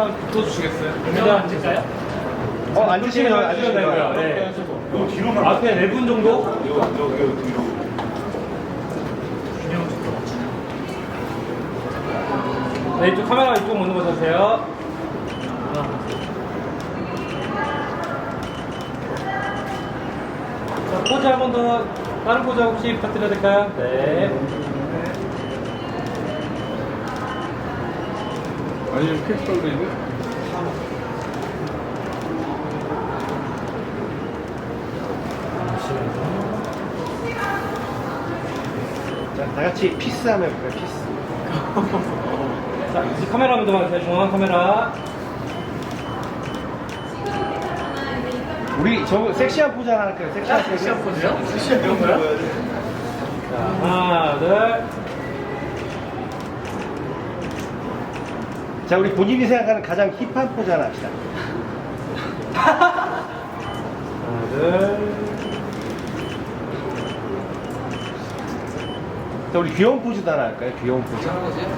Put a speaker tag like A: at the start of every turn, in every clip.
A: 카메라만 붙어주시겠어요?
B: 그냥 앉을까요?
C: 앉으시면
B: 되고요. 네. 앞에 4분 정도?
A: 뒤로.
B: 네, 이쪽 카메라 이쪽 오는 거 주세요. 자, 포즈 한 번 더, 다른 포즈 혹시 부탁드려도 될까요? 네.
A: 아니면 캡슐도 있고.
C: 자, 다 같이 피스 하면 해볼까요? 피스.
B: 자, 이제 카메라 한번 더 봐주세요. 중앙 카메라.
C: 우리 저 섹시한 포즈 하나 할까요? 섹시한 포즈.
B: 포즈요? 섹시한 거요? 자, 하나, 둘.
C: 자, 우리 본인이 생각하는 가장 힙한 포즈 하나 합시다.
B: 하나, 둘.
C: 자, 우리 귀여운 포즈도 하나 할까요? 귀여운 포즈.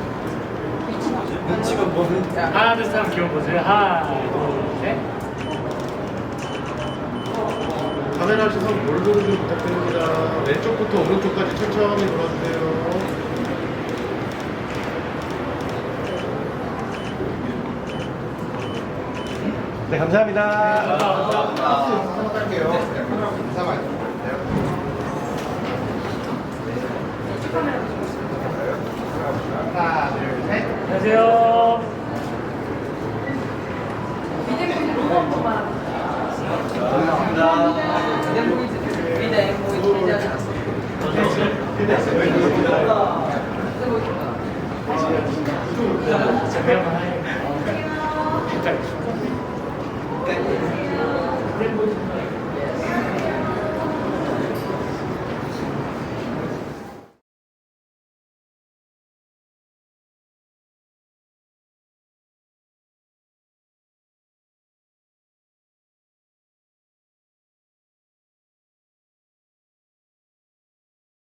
B: 하나, 둘, 셋, 귀여운 포즈. 하나, 둘, 셋.
D: 카메라 시선 몰도로 좀 부탁드립니다. 왼쪽부터 오른쪽까지 천천히 돌아주세요.
C: 네, 감사합니다.
D: 한번 할게요. 인사만 해주세요. 하나, 둘, 셋.
B: 안녕하세요.
D: 네.